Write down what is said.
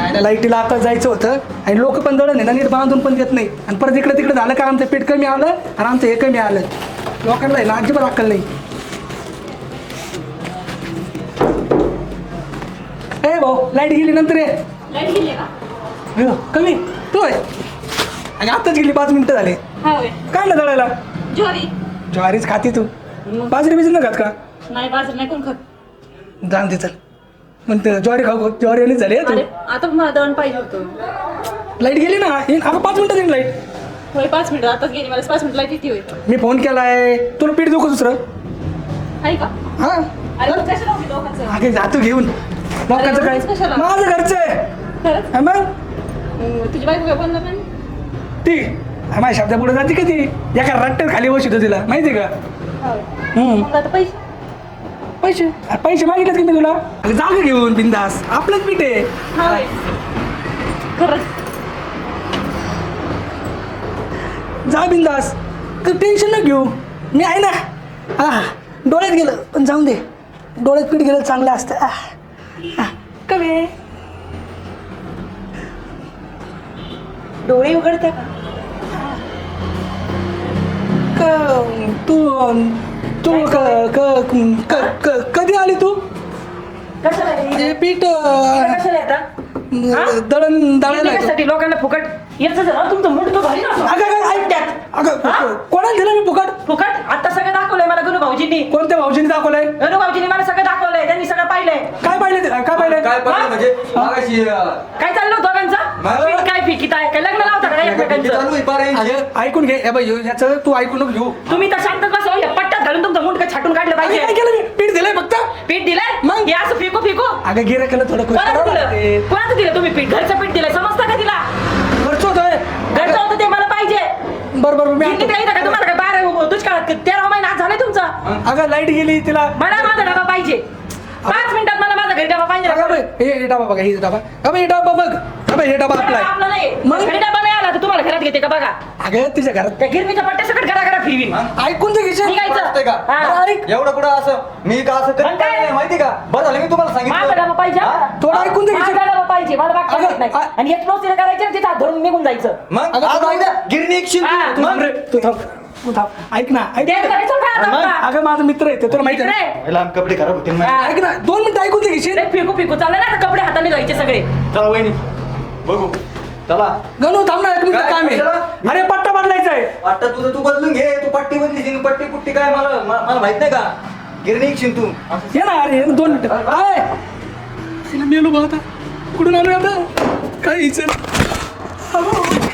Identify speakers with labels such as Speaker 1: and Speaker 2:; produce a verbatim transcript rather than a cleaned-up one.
Speaker 1: लाईटीला आता जायचं होतं आणि लोक पण दळण आहे ना नीट बांधून पण देत नाही आणि परत इकडे तिकडे झालं का आमचं पीठ कमी आलं आणि आमचं हे कमी आलं लोकांना आहे ना अजिबात अक्कल नाही. ए भाऊ लाईट गेली नंतर ये.
Speaker 2: लाईट गेली का?
Speaker 1: अयो, कमी तू आहे आणि आताच गेली पाच मिनिटं झाले.
Speaker 2: हा होय.
Speaker 1: काय ना दळायला
Speaker 2: ज्वारी.
Speaker 1: ज्वारीच खाती तू बाजरी बिजरी न खात का?
Speaker 2: नाही बाजरी नाही कोण खात.
Speaker 1: जाण दे चल म्हणते ज्वारी खाऊ ज्वारी आणि झाली तू.
Speaker 2: अरे आता मला दळण पाहिजे होतं.
Speaker 1: लाईट गेली ना येईन अगं पाच मिनिटं येईन लाईट.
Speaker 2: होय पाच मिनिटं आताच गेली मला पाच मिनिट लाईट येते होय.
Speaker 1: मी फोन केलाय तुला पीठ देऊ का दुसरं?
Speaker 2: आहे का?
Speaker 1: हा
Speaker 2: अरे मग कशाला होती लोकांचं?
Speaker 1: अगे जातो घेऊन लोकांचं काय
Speaker 2: एवढंच कशाला?
Speaker 1: माझं घरचं आहे.
Speaker 2: खरंच?
Speaker 1: हा मग
Speaker 2: मग तुझी बायको काय बोलणार नाही?
Speaker 1: ती हा, माझ्या शब्दा पुढे जाते का ती एका रट्ट्यात खाली बसतो तिला माहिती का?
Speaker 2: होय.
Speaker 1: हम्म.
Speaker 2: मग आता पैसे?
Speaker 1: पैसे अरे पैसे मागितलेत की मी तुला अगं जागा घेऊन बिंदास आपलंच पीठ आहे.
Speaker 2: हा होय. खरंच?
Speaker 1: जा बिंदास तर टेन्शन न घेऊ मी आहे ना. हा डोळ्यात गेलं पण जाऊन दे डोळ्यात पीठ गेलं चांगलं असतं. आह, आह, कमी आहे.
Speaker 2: डोळे उघडते का?
Speaker 1: क- तू तू क- क- क- क- कधी आली तू?
Speaker 2: कशाला रे?
Speaker 1: हे पीठ अं,
Speaker 2: कशाला येतात?
Speaker 1: दळण दळायला येतो.
Speaker 2: कशासाठी लोकांना फुकट याचं जरा तुमचं मूड तो भारी ना.
Speaker 1: अगं अगं ऐक त्यात अगं
Speaker 2: हा?
Speaker 1: कोणाला दिलं मी फुकट?
Speaker 2: फुकट आता सगळं दाखवलंय मला गणू भाऊजींनी.
Speaker 1: कोणत्या भाऊजीने दाखवलंय?
Speaker 2: गणू भाऊजींनी मला सगळं दाखवलंय त्यांनी सगळं पाहिलंय.
Speaker 1: काय पाहिलं ते? काय पाहिलं?
Speaker 3: काय पाहिलं म्हणजे मागाशी
Speaker 2: काय चाललं होतं दोघांचं?
Speaker 3: मला-
Speaker 2: पीठ काय फिकीत आहे काय लग्न लावता का एकमेकांचं?
Speaker 3: चालू आहे पार यांची.
Speaker 1: अगं, ऐकून घे हे बाई याचं तू ऐकून नको घेऊ.
Speaker 2: तुम्ही तर शांत बसा या पट्ट्यात घालून तुमचं मुंडकं छाटून काढलं
Speaker 1: अगं, काय
Speaker 2: पाहिजे.
Speaker 1: केलं मी पीठ दिलंय फक्त.
Speaker 2: पीठ दिलंय
Speaker 1: मग?
Speaker 2: हे असं फिकू फिकू
Speaker 1: अगं गिरा केलं थोडं खुश
Speaker 2: कोणाचं
Speaker 1: करावं
Speaker 2: दिलं
Speaker 1: लागेल.
Speaker 2: कोणाचं दिलं तुम्ही पीठ घरचं पीठ दिलंय समजतं का तिला?
Speaker 1: खर्च होतोय.
Speaker 2: घरचं होतं ते मला पाहिजे.
Speaker 1: बरं बरं मी
Speaker 2: किती
Speaker 1: आणतो.
Speaker 2: काही का तुम्हाला काय बारा दुष्काळात तेरा महिना आज झालाय तुमचा.
Speaker 1: अगं लाईट गेली तिला.
Speaker 2: मला माझा डबा पाहिजे पाच मिनिटात मला माझा घरी डबा पाहिजे.
Speaker 1: अगं बाई, हे हे डबा बघा हे डबा अगं बाई, हे डबा बघ अगं बाई, हे डबा आपला आहे.
Speaker 2: आपला नाही
Speaker 1: मग?
Speaker 2: घरी डबा नाही आला तर तुम्हाला घरात घेते का बघा.
Speaker 1: अगं तुझ्या घरात
Speaker 2: त्या गिरणीच्या पट्ट्या सकट घरा घरा फिरवीन.
Speaker 1: ऐकून तर घेशील.
Speaker 2: निघायचं.
Speaker 3: वाटतंय का?
Speaker 2: हा.
Speaker 1: अरे ऐक
Speaker 3: एवढं कुठं असं मी का असं
Speaker 2: मग
Speaker 3: करीत
Speaker 2: काय?
Speaker 3: नाही माहिती का? बरं झालं मी तुम्हाला
Speaker 2: माझा
Speaker 3: सांगितलं.
Speaker 2: डबा पाहिजे
Speaker 3: हा?
Speaker 2: हा?
Speaker 1: थोडं ऐकून तर घेशील.
Speaker 2: माझा डबा पाहिजे मला बाकी
Speaker 1: अगं,
Speaker 2: माहित नाही.
Speaker 1: आ-
Speaker 2: आणि एक प्रोसिजर करायची ना तिथं हात धरून निघून जायचं.
Speaker 3: मग
Speaker 1: अगं,
Speaker 3: आज
Speaker 1: तुला-
Speaker 3: उद्या गिरणी एक शिंदे.
Speaker 2: हा.
Speaker 1: तू थांब
Speaker 3: मग
Speaker 1: रे तू थांब तू थांब ऐक ना ऐक
Speaker 2: ते करायचं काय आता
Speaker 3: मग?
Speaker 2: आपला?
Speaker 1: अगं माझा मित्र आहे ते तुला माहिती आहे ना?
Speaker 2: मित्र
Speaker 3: लहान कपडे खराब होतील ना.
Speaker 2: हा.
Speaker 1: ऐक ना दोन मिनिटं ऐकून तर घेशील.
Speaker 2: ते फिकू फिकू चाललं ना आता कपडे हाताने धुवायचे सगळे.
Speaker 3: चला वहिनी बघू चला.
Speaker 1: गणू थांब ना एक मिनिट
Speaker 3: काय?
Speaker 1: काम आहे.
Speaker 3: कशाला?
Speaker 1: अरे पट्टा बदलायचा आहे.
Speaker 3: आता तुझं तू बदलून घे तू पट्टी बदली पट्टी पुट्टी काय मला मला मला माहित नाही का? गिरणी एक शिंद तू असं
Speaker 1: ये ना अरे ये ना, दोन मिनिटं काय तिला मेलो बघ आता कुठून आणू आता काय इच्छा